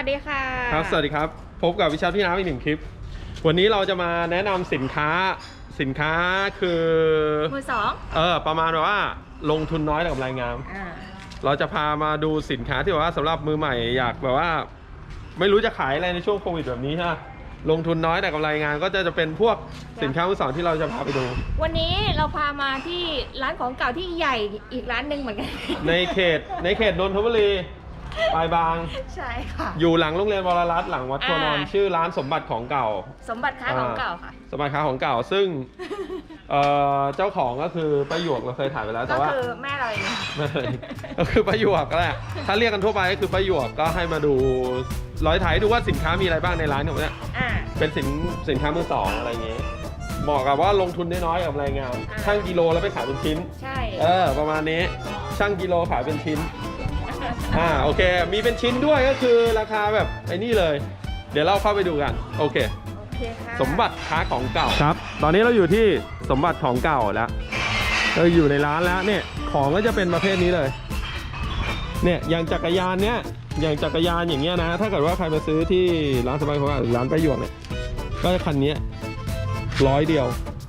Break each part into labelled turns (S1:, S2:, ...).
S1: วัสดีค่ะ
S2: ครับสวัสดีครับพบกับวิชาพี่น้ำอีกหนึ่งคลิปวันนี้เราจะมาแนะนำสินค้าคือ
S1: มือสอง
S2: ประมาณแบบว่าลงทุนน้อยแต่กำไรงามเราจะพามาดูสินค้าที่แบบว่าสำหรับมือใหม่อยากแบบว่าไม่รู้จะขายอะไรในช่วงโควิดแบบนี้ใช่ไหมลงทุนน้อยแต่กำไรงานก็จะเป็นพวกสินค้ามือสองที่เราจะพาไปดู
S1: วันนี้เราพามาที่ร้านของเก่าที่ใหญ่อีกร้านหนึ่งเหมือนกัน
S2: ในเขตนนทบุรีปลายบาง
S1: ใช่ค่ะ
S2: อยู่หลังโรงเรียนวรรัตน์หลังวัดโพนอนชื่อร้านสมบัติของเก่า
S1: สมบัติค้าของเก่าค่ะ
S2: สมบัติค้าของเก่าซึ่งเจ้าของก็คือป้าหยวกเราเคยถ่ายไปแล้วแต่ว่า
S1: ก็คือแม่เราเอง
S2: ก็คือป้าหยวกก็แหละถ้าเรียกกันทั่วไปก็คือป้าหยวกก็ให้มาดูร้อยถ่ายดูว่าสินค้ามีอะไรบ้างในร้านของเนี่ยเป็นสินค้ามือสองอะไรอย่างเงี้ยเหมาะกับว่าลงทุนน้อยๆกับรายงานช่างกิโลแล้วไปขายเป็นชิ้น
S1: ใช่
S2: ประมาณนี้ช่างกิโลขายเป็นชิ้นโอเคมีเป็นชิ้นด้วยก็คือราคาแบบไอ้นี่เลยเดี๋ยวเราเข้าไปดูกันโอเคสมบัติค้าของเก่าครับตอนนี้เราอยู่ที่สมบัติของเก่าแล้วเราอยู่ในร้านแล้วเนี่ยของก็จะเป็นประเภทนี้เลยเนี่ยอย่างจักรยานเนี่ยอย่างจักรยานอย่างเงี้ยนะถ้าเกิดว่าใครมาซื้อที่ร้านสมบัติของเก่าหรือร้านป้าหยวกเนี่ยก็จะคันนี้100 เดียว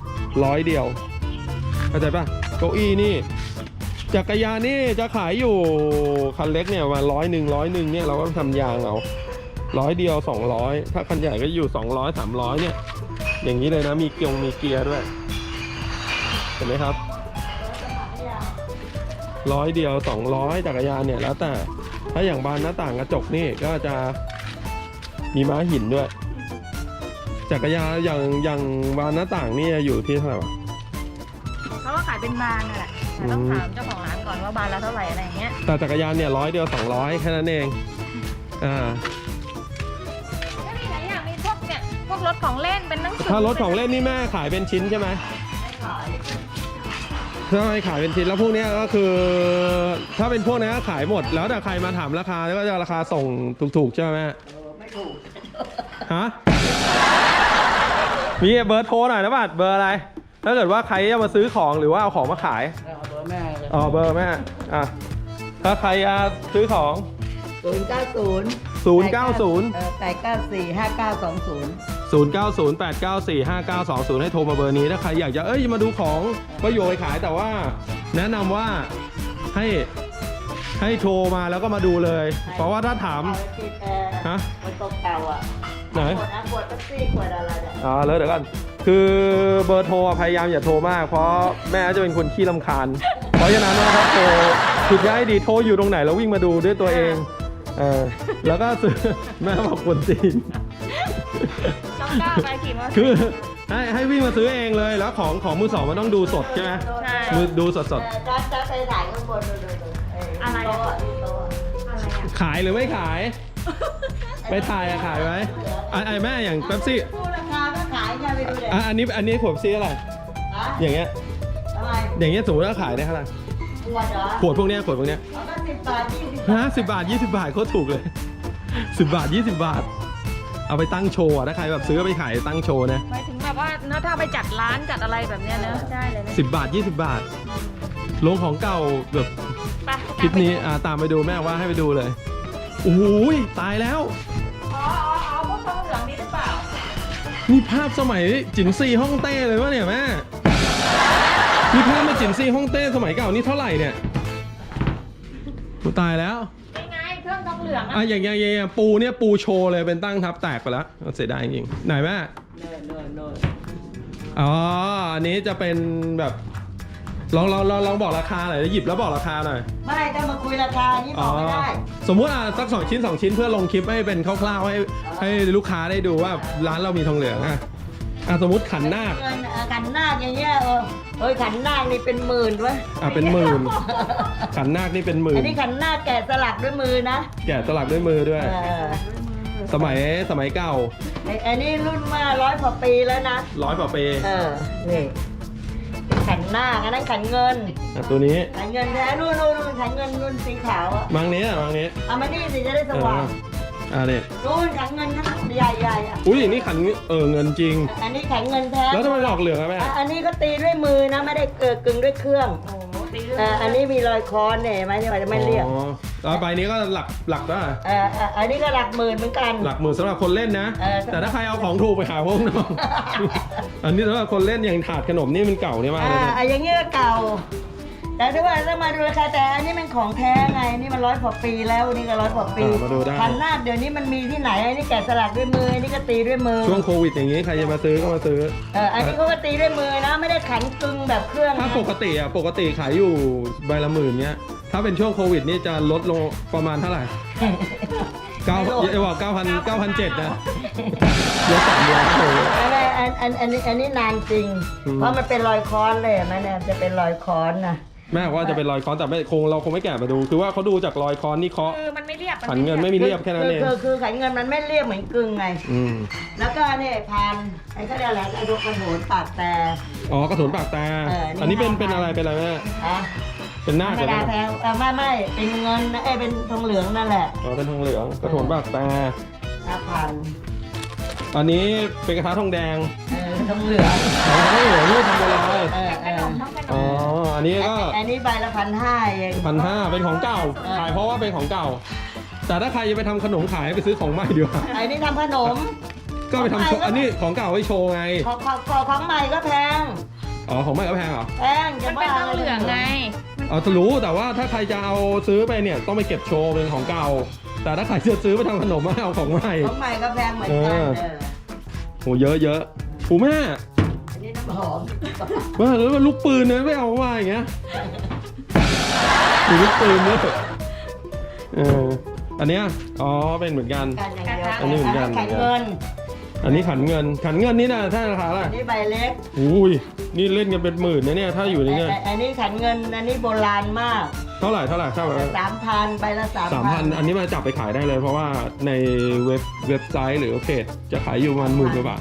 S2: เข้าใจป่ะเก้าอี้นี่จักรยานนี่จะขายอยู่คันเล็กเนี่ยประมาณ100เนี่ยเราก็ทำยางเอา100 เดียว200ถ้าคันใหญ่ก็อยู่200 300เนี่ยอย่างนี้เลยนะมีเกียร์ด้วยเห็นไหมครับ100 เดียว200จักรยานเนี่ยแล้วแต่ถ้าอย่างบานหน้าต่างกระจกนี่ก็จะมีม้าหินด้วยจักรยานอย่างบานหน้าต่างนี่อยู่ที่เท่าไหร่วะ
S1: เขาก็ขายเป็นบานนั่นแหละต้องถามเจ้าของร้านก่อนว่าบานละเท่าไหร่อะไรอย่างเงี้ย
S2: แต่จักรยานเนี่ย100 เดียว200แค่นั้นเอง
S1: แล้วมีหลายอย่างมีพวกเนี่ยพวกรถของเล่นเป็นหนังสือ
S2: ถ้ารถของเล่นนี่แม่ขายเป็นชิ้นใช่ไหมใช่ขายเป็นชิ้นแล้วพวกนี้ก็คือถ้าเป็นพวกนี้ก็ขายหมดแล้วแต่ใครมาถามราคาแล้วก็จะราคาส่งถูกๆใช่ไหม
S3: ไม่ถูก
S2: ฮะมีเบอร์โทรหน่อยนะบัดเบอร์อะไรถ้าเกิดว่าใครจะมาซื้อของหรือว่าเอาของมาขาย
S3: เบอร์แม่เลย
S2: เบอร์แม่ถ้าใครจะซื้อของ
S3: 090 894
S2: 5908945920ให้โทรมาเบอร์นี้ถ้าใครอยากจะมาดูของก็โยนขายแต่ว่าแนะนำว่าให้โทรมาแล้วก็มาดูเลยเพราะว่าถ้าถาม
S3: มันตกเก่า
S2: ไหน
S3: ขวดซี่ขวดอะไรเนี่ย
S2: แล้วเดี๋ยวกันคือเบอร์โทรพยายามอย่าโทรมากเพราะแม่จะเป็นคนขี้รำคาญเพราะฉะนั้นนะครับโทรผิดย้ายดีโทรอยู่ตรงไหนแล้ววิ่งมาดูด้วยตัวเองแล้วก็ซื้อแม่บอกคนจีน
S1: ไปขี่มา
S2: คือให้วิ่งมาซื้อเองเลยแล้วของมือสองมันต้องดูสดใช่ไหมมือดูสด
S3: จะไปถ่ายข้างบน
S1: อะไร
S2: ขายหรือไม่ขายไปถ่ายขายไหมแม่อย่างเป๊ปซี่
S3: พูดราคาก็ขายไงไปดูเลย
S2: อันนี้ขวดซี่อะไรอย่างเงี้ยอย่างเงี้ยสมมติว่าขายได้เท่าไหร่ขวดพวกเนี้ยก็10 บาท 20 บาทโคตรถูกเลย10 บาท 20 บาทเอาไปตั้งโชว์ถ้าใครแบบซื้อไปขายตั้งโชว์นะ
S1: หมายถึงแบบว่าถ้าไปจัดร้านจัดอะไรแบบเนี้ยเนอะได้เลยนะ
S2: 10 บาท 20 บาทลงของเก่าแบบคลิปนี้ตามไปดูแม่ว่าให้ไปดูเลยโอ้ยตายแล้ว
S1: พวกทองเหลืองนี่หรือเปล่า
S2: นี่ภาพสมัยจิ๋นซีฮ่องเต้เลยวะเนี่ยแม่นี่ภาพมาจิ๋นซีฮ่องเต้สมัยเก่านี่เท่าไหร่เนี่ยตายแล้ว
S1: ยังไงเครื่องทองเหลือง
S2: อย่างปูเนี่ยปูโชว์เลยเป็นตั้งทับแตกไปแล้วเสียดายจริงไหนแม่อันนี้จะเป็นแบบลองบอกราคาหน่อยหยิบแล้วบอกราคาหน่อย
S3: ไม่ต้องมาคุยราคานี่บอกไม่ได้
S2: สมมุติสัก2 ชิ้น 2 ชิ้นเพื่อลงคลิปให้เป็นคร่าวๆให้ลูกค้าได้ดูว่าร้านเรามีทองเหลืองสมมติขันนาค
S3: อย่างเงี้ยขันนาคนี่เป็นหมื่นวะ
S2: เป็นหมื่นขันนาคนี่เป็นหมื่น
S3: อันนี้ขันนาคแกะสลักด้วยมือนะ
S2: แกะสลักด้วยมือด้วยสมัยเก่า
S3: อันนี้รุ่นมา100 กว่าปีแล้วนะ
S2: 100 กว่าปี
S3: นี่ขันหน้าอันนั้นขันเงิน
S2: ตัวนี้
S3: ขันเงินแท้นู่นขันเงินนู่นสีขาว
S2: มังนี้
S3: เอามานี่สิจะได้สว่าง
S2: นี่
S3: นู่นขันเงินนะใหญ่
S2: อุ้ยนี่ขันเงินจริง
S3: อันนี้ขันเงินแท้
S2: แล้วทำไมหลอกเหลืองอะแม่
S3: อันนี้ก็ตีด้วยมือนะไม่ได้กึ่งด้วยเครื่องอันนี้มีรอยค้อนเนี่ยไหมที่ว่าจะไม่เรียบ
S2: แล้วใบนี้ก็หลักได้
S3: อันนี้ก็หลักหมื่นเหมือนกัน
S2: หลักหมื่นสำหรับคนเล่นนะ แต่ถ้าใครเอาของถูกไปหาพวกน้อง อันนี้สำหรับคนเล่นอย่างถาดขนมนี่มันเก่าเนี่ยมากเลยนะ
S3: อย่างเงี้ยเก่า แต่ถ้าว่าถ้ามาดูราคาแต่อันนี้มันของแท้ไงนี่มัน100 กว่าปีแล้วนี่ก็100 กว่าปี
S2: มาดูได้
S3: พันนาดเดี๋ยวนี้มันมีที่ไหนอันนี้แกะสลักด้วยมืออันนี้ก็ตีด้วยมือ
S2: ช่วงโควิดอย่างนี้ใครจะมาซื้อก็มาซื้อ
S3: อันนี้เขาก็ตีด้วยมือนะไม่ได้ขันกึ่งแบบเครื่อง
S2: ถ้า
S3: นะ
S2: ปกติขายอยู่ใบละหมื่นเนี้ยถ้าเป็นช่วงโควิดนี่จะลดลงประมาณเท่าไหร่9,700นะเยอะ300เลย
S3: อันนี้นานจริง เพราะมันเป็นรอยค้อนเลยมันเนี่ยจะเป็นรอยค้อนนะ
S2: แม่ว่าจะเป็นรอยค้อนแต่เราคงไม่แกะมาดูคือว่าเขาดูจากรอยค้อนนี่เคาะ
S1: คือมันไม่เรียบ
S2: ขันเงินไม่มีเรียบแค่นั้นเอง
S3: คือขันเงินมันไม่เรียบเหมือนกึ่งไง แล้วก็เนี่ยพันไอ้ก็เรียกอะไรไอ้ดอกกระโถนปากแต่
S2: อ๋อกระสุนปากตาอันนี้เป็นอะไรแม่เป็นหน้า
S3: ไม่
S2: กัน
S3: ได้
S2: นะ
S3: แพงไม่เป็นเงินนะเป็นทองเหลืองนั่นแหละ
S2: อ๋อเป็นทองเหลืองกระสุนปากตา
S3: 5,000
S2: อันนี้เป็นกระทะทองแดง
S3: ทองเหลือง
S2: อ๋อทองเหลืองนี่ทำโบราณ
S1: ขนมทั้งขน
S2: อ๋อ
S1: ม
S2: อันนี้ก็
S3: อันนี้ใบละ1,500เอง
S2: 1,500เป็นของเก่าขายเพราะว่าเป็นของเก่า แต่ถ้าใครจะไปทำขนมขายไปซื้อของใหม่ดีกว่า
S3: อันนี้ทำขนม
S2: ก็ไปทำโชว์อันนี้ของเก่าไว้โชว์ไง
S3: ของใหม่ก็แพง
S2: อ๋อของใหม่ก็แพงเหรอ
S3: แพง
S1: มันเป็นต้องเหลืองไง
S2: อ๋อรู้แต่ว่าถ้าใครจะเอาซื้อไปเนี่ยต้องไปเก็บโชว์เป็นของเก่า แต่ถ้าใครจะซื้อไปทำขนมไม่เอาของใหม่
S3: ของใหม่ก็แพงเหมือนกัน
S2: โหเยอะโอ้แม่
S3: อันนี้น้ำหอม
S2: ว่าแล้วลูกปืนเนี่ยไม่เอามาอย่างเงี้ยดูลูกปืนเนี่ยอันเนี้ยอ๋อเป็นเหมือนกัน อันนี้เหมือนกัน
S3: ขันเงิน
S2: อันนี้ขันเงินนี่นะถ้าราคาอะไร
S3: อันนี้ใบเล็ก
S2: อุ้ยนี่เล่นกันเป็นหมื่นนะเนี่ยถ้าอยู่ในเนี่ย
S3: อันนี้ขันเงินอันนี้โบราณมาก
S2: เท่าไหร่3,000
S3: ใบละ
S2: 3,000 อันนี้มาจับไปขายได้เลย เพราะว่าในเว็บไซต์หรือเพจจะขายอยู่ประมาณ10,000 กว่าบาท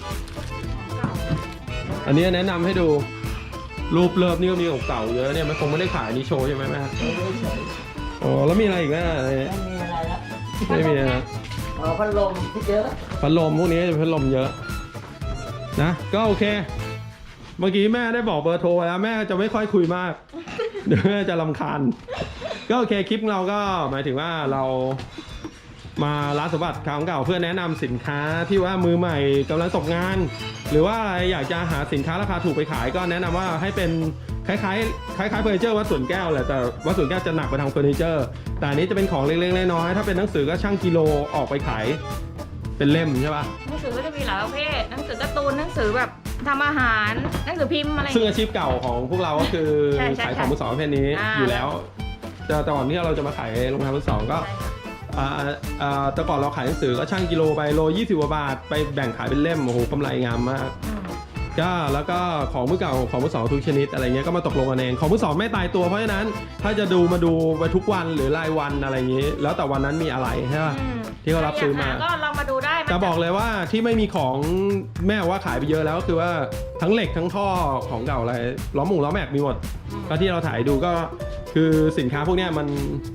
S2: อันนี้แนะนำให้ดูรูปเลิฟนี่ก็มีของเก่าเยอะเนี่ยมันคงไม่ได้ขายนี่โชว์ใช่ไหมแม่อ๋อแล้วมีอะไรอีกแม่
S3: ไม่มีอะไรแล้ว
S2: ไม่มีนะ
S3: พัดลมเยอะ
S2: พัดลมพวกนี้จะพัดลมเยอะนะก็โอเค เมื่อกี้แม่ได้บอกเบอร์โทรแล้วแม่จะไม่ค่อยคุยมาก เดี๋ยวแม่จะรำคาญก็โอเคคลิปเราก็หมายถึงว่าเรามาร้านสมบัติของเก่าเพื่อแนะนำสินค้าที่ว่ามือใหม่กำลังตกงาน หรือว่าอยากจะหาสินค้าราคาถูกไปขายก็แนะนำว่าให้เป็นคล้ายเฟอร์นิเจอร์วัดสวนแก้วแหละแต่วัดสวนแก้วจะหนักไปทางเฟอร์นิเจอร์แต่อันนี้จะเป็นของเล็กๆน้อยๆถ้าเป็นหนังสือก็ช่างกิโลออกไปขายเป็นเล่มใช่ป่ะ
S1: หนังสือก็จะมีหลายประเภทหนังสือการ์ตูนหนังสือแบบทำอาหารหนังสือพิมพ์อะไร
S2: ซึ่งอาชีพเก่าของพวกเราก็คือ
S1: ใช่
S2: ขายของมือสองประเภทนี้อยู่แล้วแต่ก่อนที่เราจะมาขายรองเท้ามือสองก็แต่ก่อนเราขายหนังสือก็ช่างกิโลไปโล20 กว่าบาทไปแบ่งขายเป็นเล่มโอ้โหกำไรงามมากก็แล้วก็ของมือเก่าของมือสองทุกชนิดอะไรเงี้ยก็มาตกลงกันเองของมือสองไม่ตายตัวเพราะฉะนั้นถ้าจะมาดูไปทุกวันหรือรายวันอะไรอย่างนี้แล้วแต่วันนั้นมีอะไรใช่ป่ะที่เขารับซื้อมา
S1: ก็ลองมาดูได้
S2: แต่บอกเลยว่าที่ไม่มีของแม่ว่าขายไปเยอะแล้วก็คือว่าทั้งเหล็กทั้งท่อของเก่าอะไรล้อแม็กมีหมดก็ที่เราถ่ายดูก็คือสินค้าพวกเนี้ยมัน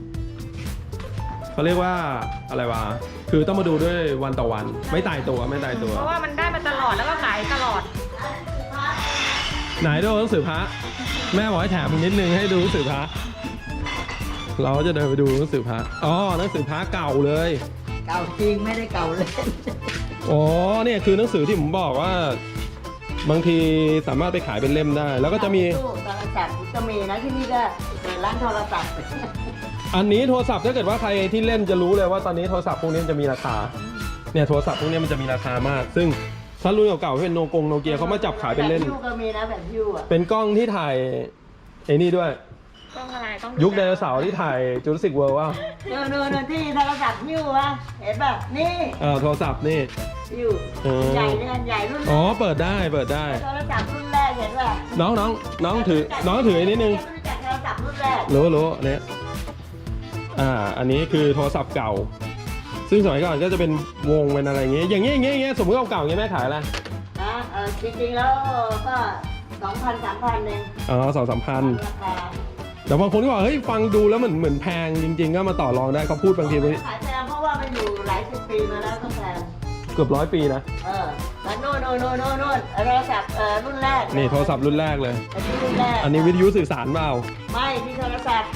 S2: เขาเรียกว่าอะไรวะคือต้องมาดูด้วยวันต่อวันไม่ตายตัว
S1: เพราะว่ามันได้มาตลอดแล้วก็ขายตลอด
S2: ไหนดูหนังสือพระแม่บอกให้แถมนิดนึงให้ดูหนังสือพระเราจะเดินไปดูหนังสือพระอ๋อหนังสือพระเก่าเลย
S3: เก่าจริงไม่ได้เก่าเล่น
S2: อ๋อเนี่ยคือหนังสือที่ผมบอกว่าบางทีสามารถไปขายเป็นเล่มได้ แล้วก็จะมี
S3: โทรศัพท์ก็มีนะที่นี่ก็เปิดร้านโทรศัพท์
S2: อันนี้โทรศัพท์ถ้าเกิดว่าใครที่เล่นจะรู้เลยว่าตอนนี้โทรศัพท์พวกนี้มันจะมีราคาเนี่ยโทรศัพท์พวกนี้มันจะมีราคามากซึ่งถ้ารุ่นเก่าๆที่เป็นโนเกียเขามาจับขายเป็นเล่น
S3: แบบยูก็มีนะแบบยูอ่ะ
S2: เป็นกล้องที่ถ่ายไอ้นี่ด้วย
S1: ต้องอะไรต้อง
S2: ยุคไดโนเสาร์ที่ถ่ายจูราสสิกเวิลด์ว่า
S3: เดินที่โทรศัพท์ยูอ่ะเห็นป่ะนี่
S2: โทรศัพท์นี่
S3: ยูใหญ่เนี่ยใหญ่รุ่นแร
S2: อ๋อก เปิดได้
S3: โทรศัพท์รุ่นแรกเห็นป่ะ
S2: น้องถือไอ้นิดนึง
S3: รู้จักโทรศัพท์รุ่นแรก
S2: รู้เนี่ยอันนี้คือโทรศัพท์เก่าซึ่งสมัยก่อนก็จะเป็นวงเป็นอะไรอย่างเงี้ยสมมติเก่าๆอย่างเงี้ยแม่ขายอะไร
S3: นะจริงๆแล้วก็2,000-3,000เอง
S2: อ๋อ2-3 พัน
S3: ราคา
S2: แต่บางคนก็บอกเฮ้ยฟังดูแล้วเหมือนแพงจริงๆก็มาต่อรองได้เขาพูดบางที
S3: ขายแพงเพราะว่ามันอยู่หลายสิบปีมาแล้วก็แพง
S2: เกือบ100 ปีนะ
S3: แล้วโน่นโทรศัพท์รุ่นแรก
S2: นี่โทรศัพท์รุ่นแรกเลย
S3: อันนี้รุ่นแรก
S2: อันนี้วิทยุสื่อสารเปล่า
S3: ไม่ที่โทรศัพท์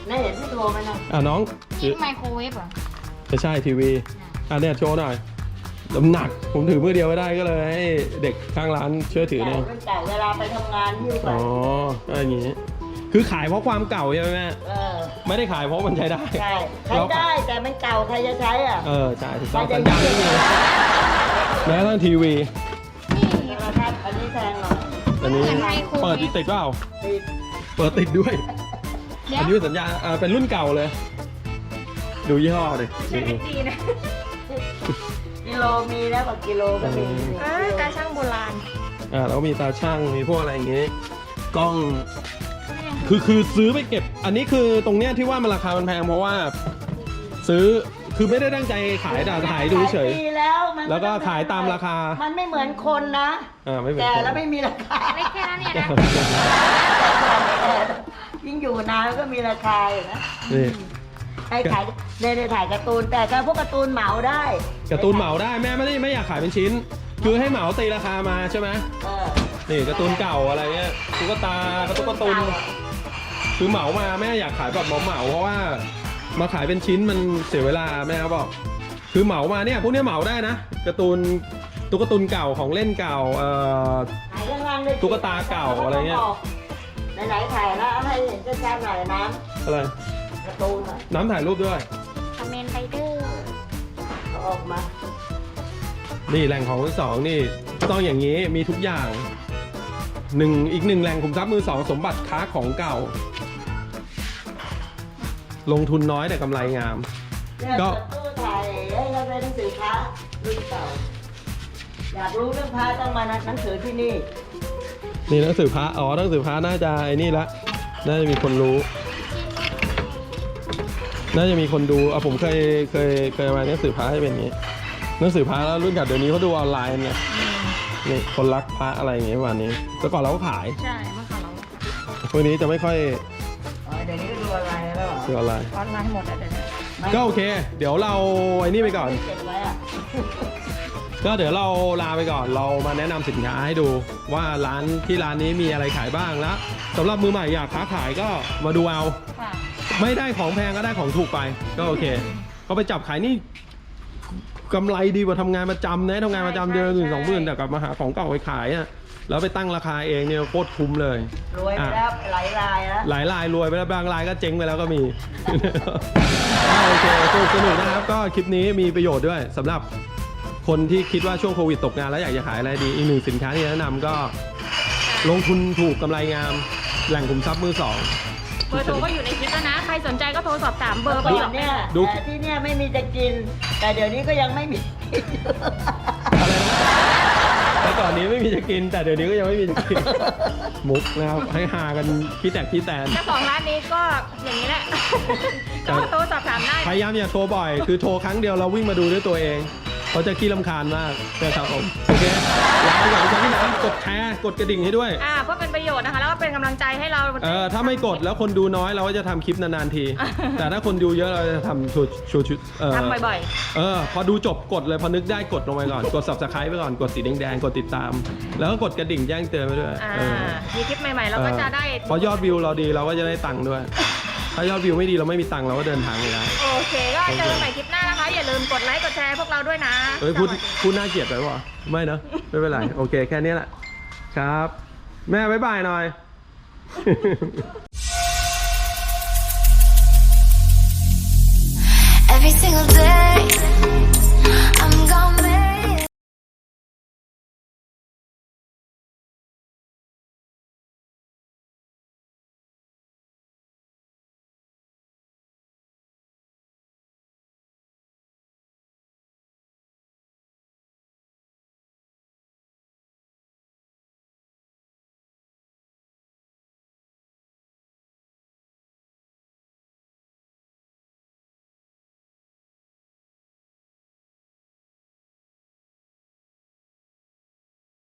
S3: ได้เห็นที่โทรไหมนะ
S2: น้อง
S1: นี่ไมโครเวฟเหรอ
S2: ไม่ใช่ทีวีเนี่ยโชว์หน่อยน้ำหนักผมถือมือเดียวไม่ได้ก็เลยให้เด็กข้างร้านช่วยถือเนี่ย
S3: เป็นเก่าเวลาไปทำงานที่ไป
S2: อ๋ออย่างงี้คือขายเพราะความเก่าใช่ไหมแม่ ไม่ได้ขายเพราะมันใช้ได้
S3: ใช่ใช้ได้แต่มันเก่าใครจะใช้อ่ะ
S2: ใช่ถูกต้องสัญญาณไม่มีแม้กระทั่งทีวี
S3: นี่นะครับอันนี้แพงหน่อย
S2: อันนี้
S1: เหมือนไมโครเวฟ
S2: เปิดติดเปล่า
S3: ติด
S2: เปิดติดด้วย
S1: เดี๋ย
S2: อั
S1: วน
S2: นี้เป็นสัญญาณเป็นรุ่นเก่าเลย ดูยี่ห้อเลย
S1: ใช้เอสดีนะ
S3: กิโลมีแล้วกว่ากิโลก็มี
S1: ตาช่างโบราณ
S2: แล้วก็มีตาช่างมีพวกอะไรอย่างงี้กล้องคือซื้อไปเก็บ อันนี้คือตรงเนี้ยที่ว่ามันราคามันแพงเพราะว่า ซื้อคือไม่ได้ตั้งใจขายแต่ขายดูเฉย
S3: ขายปีแล้วมัน
S2: แล้วก็ขายตามราคา
S3: มันไม่เหมือนคนนะ
S2: ไม่เป็น
S3: แก่
S2: ไร
S3: แล้วไม่มีราคา
S1: ไม่แค่นั้นเนี่ยนะ
S3: ยิ่งอยู่นานก็มีราคาอยู่นะ
S2: นี่
S3: ให้ขายในถ่ายการ์ตูนแต่ถ้าพวกการ์ตูนเหมาได้
S2: การ์ตูนเหมาได้แม่ไม่อยากขายเป็นชิ้น คือให้เหมาตีราคามาใช่ไหม นี่การ์ตูนเก่าอะไรเงี้ยตุ๊กตาการ์ตูนคือเหมามาแม่อยากขายแบบเหมาเพราะว่ามาขายเป็นชิ้นมันเสียเวลาแม่เขาบอกคือเหมามาเนี่ยพวกเนี้ยเหมาได้นะการ์ตูนตุ๊กตาเก่าของเล่นเก่า
S3: ถ่ายข้างๆด้วย
S2: ตุ๊กตาเก่าอะไรเงี้ย
S3: ไหนๆถ่ายแล้วให้เห็นชัดๆหน่อยน้
S2: อะไร
S3: ำการ์ตูนอะ
S2: น้ำถ่ายรูปด้วย
S1: คอมเมนต์ไรเดอร์
S3: เอาออกมา
S2: นี่แหล่งของมือสองนี่ต้องอย่างนี้มีทุกอย่างอีกหนึ่งแหล่งขุมทรัพย์มือสองสมบัติค้าของเก่า ลงทุนน้อยแต่กำไรงาม
S3: เนี่ย
S2: ก็
S3: ตู้ถ่ายให้เราได้หนังสือพระรุ่นเก่า อยากรู้เรื่องพระต้องมาหนังสือที่นี่
S2: นี่หนังสือพระหนังสือพระน่าจะไอ้นี่ละน่าจะมีคนรู้ น่าจะมีคนดูผมเคยมาหนังสือพระให้เป็นอย่างนี้หนังสือพระแล้วรุ่นเก่าเดี๋ยวนี้เขาดูออนไลน์ไงนี่คนรักพระอะไรอย่างเงี้ยวันนี้แต่ก่อนเราก็ขาย
S1: ใช่เมื่อก่อนเรา
S2: พวกนี้จะไม่ค่อย
S3: เดี๋ยวนี้ก็ดูอะไรแล้วเหรอ
S2: ดูออนไลน์
S1: ออนไลน์หมดอ่ะเดี๋ยวนี้
S2: ก็โอเค เดี๋ยวเราไอ้นี่ไปก่อน
S3: เก็บไว้อะ
S2: ก็เดี๋ยวเราลาไปก่อนเรามาแนะนำสินค้าให้ดูว่าร้านนี้มีอะไรขายบ้างแล้วสำหรับมือใหม่อยากค้าขายก็มาดูเอา
S1: ค่ะ
S2: ไม่ได้ของแพงก็ได้ของถูกไปก็โอเค ก็ไปจับขายนี่กำไรดีกว่าทำงานประจำนะทำงานประจำเดือนละ1-2 หมื่นแต่กลับมาหาของเก่าไปขายอ่ะแล้วไปตั้งราคาเองเนี่ยโคตรคุ้มเลย
S3: รวยไปแล้วหลายรายแล้ว
S2: หลายรายรวยไปแล้วบางรายก็เจ๊งไปแล้วก็มี โอเคสนุกนะครับก็คลิปนี้มีประโยชน์ด้วยสำหรับคนที่คิดว่าช่วงโควิดตกงานแล้วอยากจะขายอะไรดีอีกหนึ่งสินค้าที่แนะนำก็ลงทุนถูกกำไรงามแหล่งขุมทรัพย์มือสอง
S1: เบอร์โทรก็อยู่ในคลิปแล้วนะ ใครสนใจก็โทรสอบถามเบอร์ไป
S3: ก่
S1: หร
S3: อ
S1: อน ก
S3: เนี่ย
S2: ดู
S3: แต่ที่เนี่ยไม่มีจะกิน แต่เดี๋ยวนี้ก็ยังไม่มี
S2: อะไรนะแต่ก่อนนี้ไม่มีจะกิน แต่เดี๋ยวนี้ก็ยังไม่มีจะกิน มุกนะครับให้หากันขี้แตกขี้แตน
S1: เจ้าของร้านนี้ก็อย่างนี้แหละ ก็โทรสอบถามได้
S2: พยายามอย่าโทรบ่อย คือโทรครั้งเดียวเราวิ่งมาดูด้วยตัวเองเขาจะขี้รำคาญมากนะครับผมโอเคลาไปก่อนครับพี่น้ำกดแชร์กดกระดิ่งให้ด้วย
S1: เพื่อเป็นประโยชน์นะคะ แล้วก็เป็นกำลังใจให้เรา
S2: ถ้าไม่กดแล้วคนดูน้อยเราก็จะทำคลิปนานๆที แต่ถ้าคนดูเยอะเราจะทำชุด
S1: ทำบ่อย
S2: พอดูจบกดเลยพอนึกได้กดลงไปก่อนกด subscribe ไปก่อนกดสีแดงๆกดติดตาม แล้วก็กดกระดิ่งแจ้งเตือนไปด้วย
S1: มีคลิปใหม่ๆเราก็จะได้
S2: เพราะยอดวิวเราดีเราก็จะได้ตังค์ด้วย ถ้ายอดวิวไม่ดีเราไม่มีตังค์เราก็เดินทางไม่ได้
S1: โอเคก็เจอกันใหม่คลิปหน้านะคะ อย่าลืมกดไลค์กดแชร์พวกเราด้วยนะ
S2: พูดน่าเกลียดไปวะไม่นะไม่เป็นไรโอเคแค่นี้แหละครับแม่บ๊ายบายหน่อย
S4: Every single day